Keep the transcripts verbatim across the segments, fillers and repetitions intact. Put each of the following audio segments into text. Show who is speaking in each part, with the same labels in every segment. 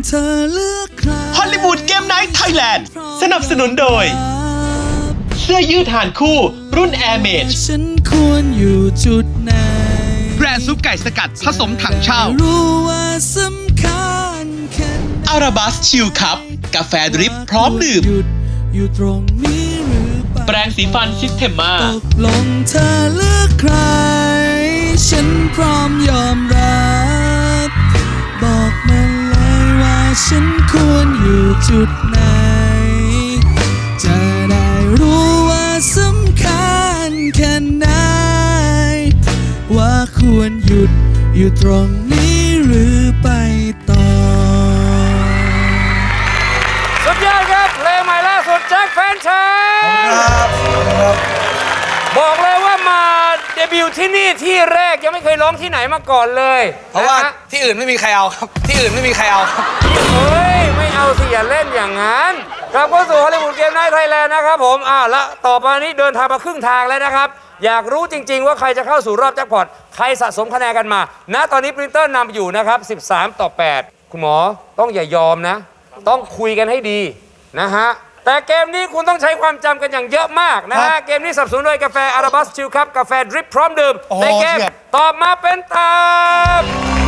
Speaker 1: เธอเลือกใคร
Speaker 2: ฮอลลีวูดเกมไนท์ไทยแลนด์สนับสนุนโดยเสื้อยืดหานคู่รุ่น Air Mage
Speaker 1: ฉันควรอยู่จุดไหน
Speaker 2: แบรนด์ซุปไก่สกัดผสมถังเช่า
Speaker 1: รู้ว่าสำคัญแค่
Speaker 2: อาราบัสชิลคัพกาแฟดริปพร้อมดื่ม
Speaker 1: อยู่ตรงนี้หรือเปล่า
Speaker 2: แปรงสีฟันซิสเทมมา
Speaker 1: ตกลงเธอเลือกใครฉันพร้อมยอมรับบอกมาเลยว่าฉันควรอยู่จุดไหนจะได้รู้ว่าสำคัญแค่ไหนว่าควรหยุดอยู่ตรงนี้หรือไปต่อ
Speaker 3: สุดยอดครับเพลงใหม่ล่าสุดแจ็คแฟนฉันบอกเลยว่ามาเดบิวต์ที่นี่ที่แรกยังไม่เคยร้องที่ไหนมาก่อนเลย
Speaker 4: เพราะว่าที่อื่นไม่มีใครเอาครับที่อื่นไม่มีใครเอาครับ
Speaker 3: เฮ้ยไม่เอาสิอย่าเล่นอย่างนั้นกลับเข้าสู่ฮอลลีวูดเกมไนท์ไทยแลนด์นะครับผมอ่าละต่อไปนี้เดินทางมาครึ่งทางแล้วนะครับอยากรู้จริงๆว่าใครจะเข้าสู่รอบแจ็คพอตใครสะสมคะแนนกันมาณตอนนี้ปรินเตอร์นำอยู่นะครับสิบสามต่อแปดคุณหมอต้องอย่ายอมนะต้องคุยกันให้ดีนะฮะแต่เกมนี้คุณต้องใช้ความจำกันอย่างเยอะมากนะฮะเกมนี้สนับสนุนโดยกาแฟอาราบัสชิลคัพกาแฟดริปพร้อมดื่มในเกมตอบมาเป็นตาม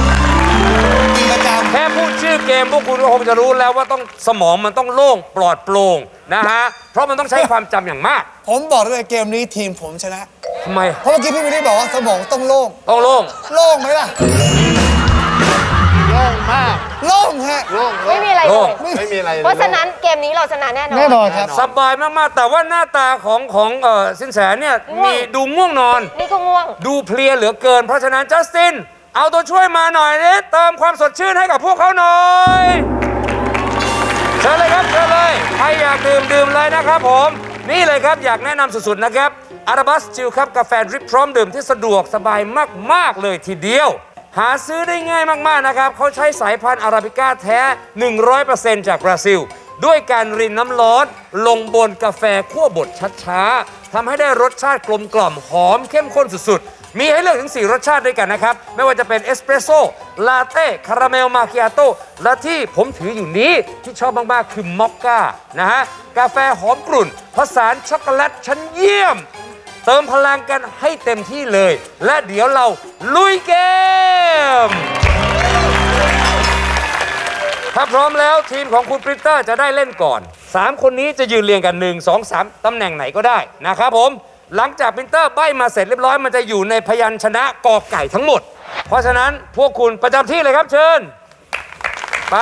Speaker 3: แค่พูดชื่อเกมพวกคุณก็คงจะรู้แล้วว่าต้องสมองมันต้องโล่งปลอดโปร่งนะฮะเพราะมันต้องใช้ความจำอย่างมาก
Speaker 4: ผมบอกเลยเกมนี้ทีมผมชนะ
Speaker 3: ทำไม
Speaker 4: เพราะเมื่อกี้พี่วิลลี่บอกว่าสมองต้องโล่ง
Speaker 3: ต้องโล่ง
Speaker 4: โล่งไหมล่ะ
Speaker 5: โล่งมาก
Speaker 4: โล่งฮะ
Speaker 5: โล่ง
Speaker 6: ไม่มีอะไรเลย
Speaker 5: ไม่มีอะไรเลย
Speaker 6: เพราะฉะนั้นเกมนี้เราชนะแน่นอน
Speaker 4: แน่นอนครับ
Speaker 3: สบายมากๆแต่ว่าหน้าตาของของเอ่อสินแสเนี่ยมีดูง่วงนอน
Speaker 6: นี่ก็ง่วง
Speaker 3: ดูเพลียเหลือเกินเพราะฉะนั้นจัสตินเอาตัวช่วยมาหน่อยนี่เติมความสดชื่นให้กับพวกเขาหน่อยเชิญเลยครับเชิญเลยใครอยากดื่มดื่มเลยนะครับผมนี่เลยครับอยากแนะนำสุดๆนะครับอาราบัสชิลคัพกาแฟดริปพร้อมดื่มที่สะดวกสบายมากๆเลยทีเดียวหาซื้อได้ง่ายมากๆนะครับเขาใช้สายพันธุ์อาราบิก้าแท้ หนึ่งร้อยเปอร์เซ็นต์ จากบราซิลด้วยการรินน้ำร้อนลงบนกาแฟคั่วบดช้าๆทำให้ได้รสชาติกลมกล่อมหอมเข้มข้นสุดๆมีให้เลือกถึงสี่รสชาติด้วยกันนะครับไม่ว่าจะเป็นเอสเปรสโซ่ลาเต้คาราเมลมาคิอาโต้และที่ผมถืออยู่นี้ที่ชอบมากๆคือมอคก้านะฮะกาแฟหอมกรุ่นผสานช็อกโกแลตชั้นเยี่ยมเติมพลังกันให้เต็มที่เลยและเดี๋ยวเราลุยเกมถ้าพร้อมแล้วทีมของคุณปรินเตอร์จะได้เล่นก่อนสามคนนี้จะยืนเรียงกันหนึ่ง สอง สามตำแหน่งไหนก็ได้นะครับผมหลังจากปรินเตอร์ใบ้มาเสร็จเรียบร้อยมันจะอยู่ในพยัญชนะกอไก่ทั้งหมดเพราะฉะนั้นพวกคุณประจำที่เลยครับเชิญไป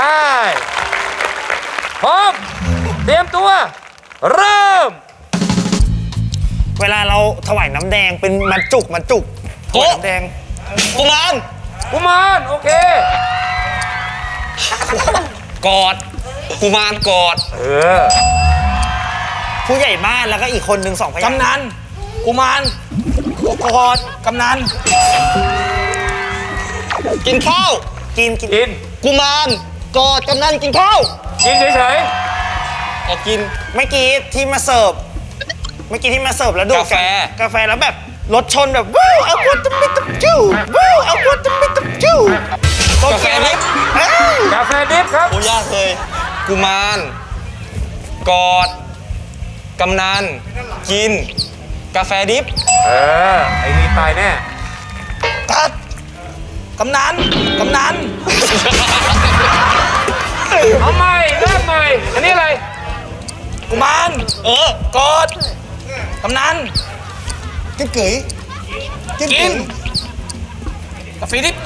Speaker 3: พร้อมเตรียมตัวเริ่ม
Speaker 4: เวลาเราถวายน้ำแดงเป็นมันจุกมันจุกถวายน้ำแดงกุมาร
Speaker 3: กุมารโอเค
Speaker 4: กอดกุมารกอด
Speaker 3: เออ
Speaker 4: ผู้ใหญ่บ้านแล้วก็อีกคนหนึ่งสองพยางค์กำนันกุมารกอดกำนันกินข้าวกิน
Speaker 3: กิน
Speaker 4: กุมารกอดกำนันกินข้าว
Speaker 3: กินเฉย
Speaker 4: ๆอ๋อกินเมื่อกี้ที่มาเสิร์ฟเมื่อกี้ที่มาเสิร์ฟแล้วดูกาแฟกาแฟแล้วแบบรถชนแบบว้าวเอาควดตะมิตะจิ้วว้าวเอาควดตะมิตะจิ้วกาแฟดิบ
Speaker 3: กาแฟดิบครับ
Speaker 4: โอ้ยากเลยกุมารกอดกำนันกินกาแฟดิบ
Speaker 3: เออไอ้นี่ตายแน่
Speaker 4: กัดกำนันกำนัน
Speaker 3: เอาใหม่เริ่มใหม่อันนี้อะไร
Speaker 4: กุมารเออกอดกำนันกินเกยกินกินกาแฟดิบ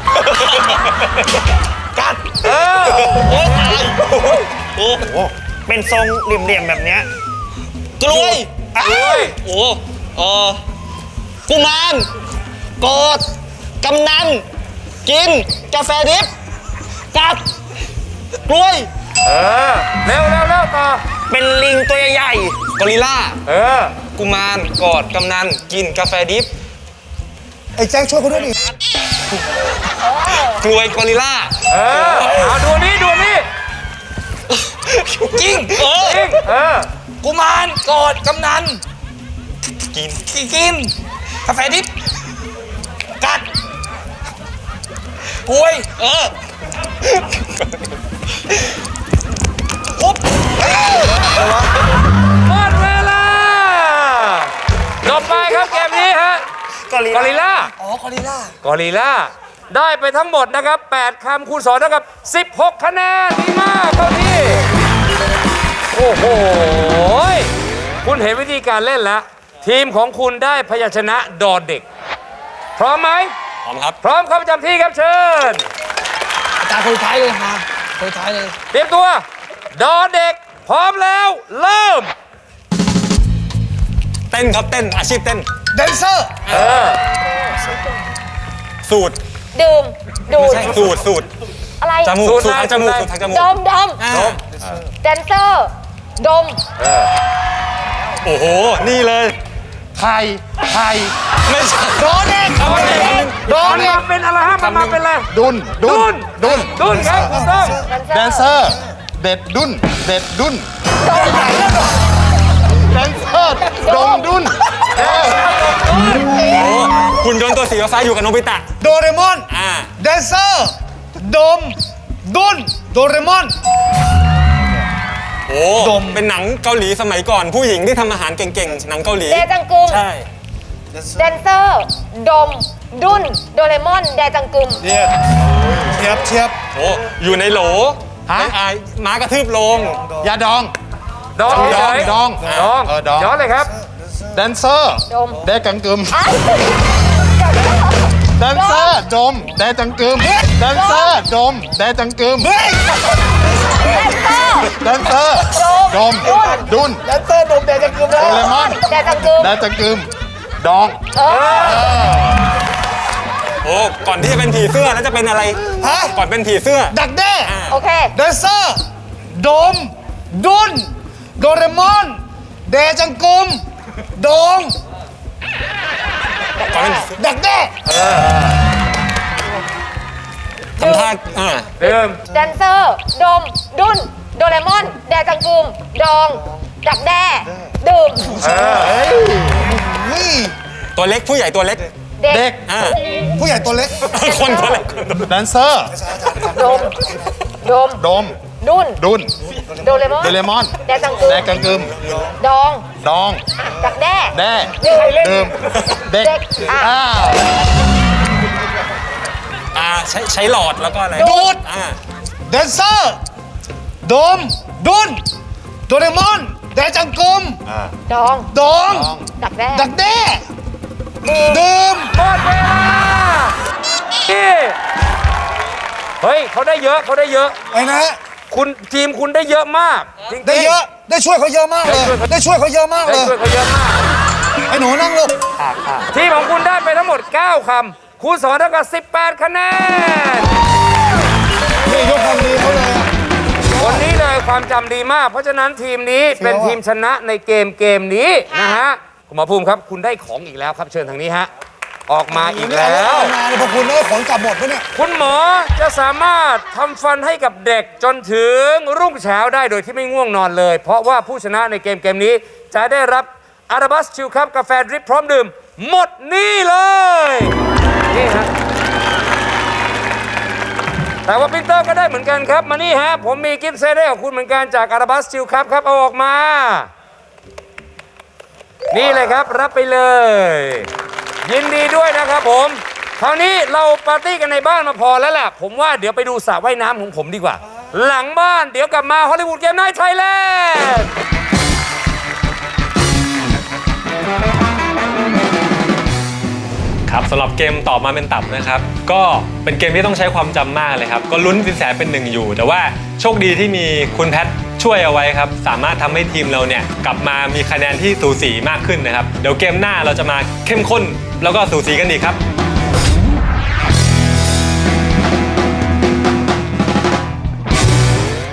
Speaker 4: กัดเออโอ้ตายโอ้โหเป็นทรงเหลี่ยมๆแบบเนี้ยกล้วยกล้วยโอ้เออกุมารกอดกำนันกินกาแฟดิบกัดกล้วย
Speaker 3: เออเร็วเร็วเร็วต่อ
Speaker 4: เป็นลิงตัวใหญ่กอริลล่า
Speaker 3: เออ
Speaker 4: กุมารกอดกำนันกินกาแฟดิบไอ้แจ็คช่วยเขาด้วยดิกล้วยกอริลล่า
Speaker 3: เออเอาดูนี่ดูนี่
Speaker 4: จริงเออ
Speaker 3: จริงเออ
Speaker 4: กุมารกอดกำนันกินกินกาแฟดิบกัดกล้วยเออริ
Speaker 3: กอริล
Speaker 4: ล่า
Speaker 3: ล่า
Speaker 4: อ๋อกอริลล่าก
Speaker 3: อริลล่า ได้ไปทั้งหมดนะครับแปดคำคูณสองเท่ากับสิบหกคะแนนดีมากเข้าที่ โอ้โห คุณเห็นวิธีการเล่นแล้ว ทีมของคุณได้พยัญชนะดอเด็ก พร้อมไหม
Speaker 4: พร้อมครับ
Speaker 3: พร้อมเข้าประจำที่ครับเชิญ
Speaker 4: อาจารย์คนสุดท้ายเลยฮะคนสุดท้ายเลย
Speaker 3: เตรียมตัว ดอเด็ก พร้อมแล้ว เริ่ม
Speaker 4: เต้นครับเต้นอาชีพเต้น
Speaker 5: แดนเซอร์
Speaker 3: เออ
Speaker 4: สูตร
Speaker 6: ดื่ม ดู
Speaker 4: ไม่
Speaker 6: ด
Speaker 4: ใช่สูตรสูตร
Speaker 6: อะไร
Speaker 4: จมูก
Speaker 3: สู
Speaker 4: สู
Speaker 3: ต
Speaker 4: ต
Speaker 3: ร
Speaker 4: รทางจมูก
Speaker 3: อะไร
Speaker 4: สูตรทางจมูก
Speaker 6: ดม ดม
Speaker 4: อ่า
Speaker 6: แดนเซอร์ ดม
Speaker 4: โอ้โห นี่เลย
Speaker 5: ไทย ไทย
Speaker 4: ไม่ใช่
Speaker 5: โดนเด็ก
Speaker 4: เอาเด็ก
Speaker 5: โดน
Speaker 3: มัน
Speaker 5: เด็
Speaker 3: มาก เป็นอะไรฮะมันมาเป็นอะไร
Speaker 5: ดุน ดุ
Speaker 3: ดุ
Speaker 5: น
Speaker 3: น
Speaker 5: ดุน
Speaker 3: ดุนครับถูกต้อง
Speaker 5: แดนเซอร์ เด็ดดุน เด็ดดุนแดนเซอร์ดงดุนเออ
Speaker 4: โอ้หุ่นยนต์ตัวสีฟ้าอยู่กับโนบิตะ
Speaker 5: โดเรมอน
Speaker 4: อ่า
Speaker 5: แดนเซอร์ ดม ดุน โดเรมอน
Speaker 4: โอ้ดมเป็นหนังเกาหลีสมัยก่อน ผู้หญิงที่ทำอาหารเก่งๆ หนังเกาหลี
Speaker 6: เดจังกึม
Speaker 4: ใช่
Speaker 6: แดนเซอร์ ดม ดุน โดเรมอน แดจังกึม
Speaker 5: เทียบเทียบเทียบ
Speaker 4: โอ้อยู่ในโหล
Speaker 5: ฮะ
Speaker 4: ไอ้ไอ้ม้ากระทืบลง
Speaker 5: ยาดอง
Speaker 3: ดอง
Speaker 5: ดอง
Speaker 3: เฉยๆ
Speaker 5: ดอง
Speaker 3: ดอง
Speaker 5: เออดอง
Speaker 3: ย้อนเลยครับ
Speaker 5: แดนเซอร์
Speaker 6: ดม
Speaker 5: แดกังกึม
Speaker 6: อ่ะ
Speaker 5: แดนเซอร์ ดม แดจังกึม แดนเซอร์ ดม แดจังกึม
Speaker 6: แดนเซอร์
Speaker 5: แดนเซอร์ ดม ดุน
Speaker 6: แดนเซอร์ ดม แดจังกึม
Speaker 5: โดเรมอน
Speaker 6: แดจังกึม
Speaker 5: แดจังกึม ดอง
Speaker 6: เออ
Speaker 4: โอ้ ก่อนที่จะเป็นผีเสื้อแล้วจะเป็นอะไร
Speaker 5: ฮะ
Speaker 4: ก่อนเป็นผีเสื้อ
Speaker 5: ดักแด้
Speaker 6: โอเค
Speaker 5: แดนเซอร์ ดม ดุน โดเรมอน แดจังกึม ดอง
Speaker 4: ก่อนเป็นผีเสื้อ
Speaker 5: ดักแด้
Speaker 4: ทำท่าอ่า
Speaker 3: เดิม
Speaker 6: แดนเซอร์ ดม ดุน โดเรมอน แดจังกึม ดอง ดักแด้ ดื่ม
Speaker 5: นี่
Speaker 4: ตัวเล็กผู้ใหญ่ตัวเล็ก
Speaker 6: เด็
Speaker 5: เด็
Speaker 6: ก
Speaker 5: ก
Speaker 4: อ่า
Speaker 5: ผู้ใหญ่ตัวเล็ก
Speaker 4: คนตัวเล็ก
Speaker 5: แดนเซอร์
Speaker 6: ดม ดม
Speaker 5: ดม
Speaker 6: ดุน
Speaker 5: ดุน
Speaker 6: โดเรมอน
Speaker 5: โดเรมอน
Speaker 6: แดจังกึม
Speaker 5: แดกังกึม
Speaker 6: ดอง
Speaker 5: ดอง
Speaker 6: ดักแด้
Speaker 5: แด้
Speaker 6: ดื่ม
Speaker 5: ดื่มเด็ก
Speaker 6: เด็กอ่ะ
Speaker 5: อ้าว
Speaker 4: อ่าใช้ใช้หลอดแล้วก็อะไร
Speaker 5: ดูด
Speaker 4: อ่า
Speaker 5: แดนเซอร์ ดม ดุน โดเรมอน แดจังกึม
Speaker 6: ดอง
Speaker 5: ดอง
Speaker 6: ดักแด้
Speaker 5: ดักแด้ ดื่ม
Speaker 3: หมดเวลานี่เฮ้ยเขาได้เยอะเขาได้เยอะ
Speaker 5: ไอ้นะ
Speaker 3: คุณทีมคุณได้เยอะมากจริงๆ
Speaker 5: ได้เยอะ ได้ช่วยเขาเยอะมากเลย ได้ช่วยเขาเยอะมาก
Speaker 3: ได้
Speaker 5: เลย
Speaker 3: ช่วยเขาเยอะมาก
Speaker 5: ไอ้หนูนั่งลูก
Speaker 3: ทีมของคุณได้ไปทั้งหมด เก้า คำคูณสองเท่ากับสิบแปดคะแนน
Speaker 5: นี่ยกความดีเขาเลยอะ
Speaker 3: วันนี้เลยความจำดีมาก เพราะฉะนั้นทีมนี้เป็นทีมชนะในเกมเกมนี้นะฮะคุณหมอภูมิครับ คุณได้ของอีกแล้วครับเชิญทางนี้ฮะออกมาอีกแล้ว
Speaker 5: งานเลยพอคุณได้ผลกลับหมดปะเนี่ย
Speaker 3: คุณหมอจะสามารถทำฟันให้กับเด็กจนถึงรุ่งเช้าได้โดยที่ไม่ง่วงนอนเลย เพราะว่าผู้ชนะในเกมเกมนี้จะได้รับอาราบัสชิลครับกาแฟดริปพร้อมดื่ม หมดนี่เลย นี่ฮะแต่ว่าปินเตอร์ก็ได้เหมือนกันครับ มานี่ฮะ ผมมีกิฟต์เซตให้กับคุณเหมือนกันจากอาราบัสชิลครับครับ เอาออกมา นี่เลยครับรับไปเลย ยินดีด้วยนะครับผม คราวนี้เราปาร์ตี้กันในบ้านมาพอแล้วแหละผมว่าเดี๋ยวไปดูสระว่ายน้ำของผมดีกว่า หลังบ้านเดี๋ยวกลับมาฮอลลีวูดเกมไนท์ไทยแลนด์
Speaker 7: ครับสำหรับเกมตอบมาเป็นตับนะครับ ก็เป็นเกมที่ต้องใช้ความจำมากเลยครับ ก็ลุ้นสินแสเป็นหนึ่งอยู่ แต่ว่าโชคดีที่มีคุณแพทช่วยเอาไว้ครับ สามารถทำให้ทีมเราเนี่ยกลับมามีคะแนนที่สูสีมากขึ้นนะครับ เดี๋ยวเกมหน้าเราจะมาเข้มข้นแล้วก็สูสีกันอีกครับ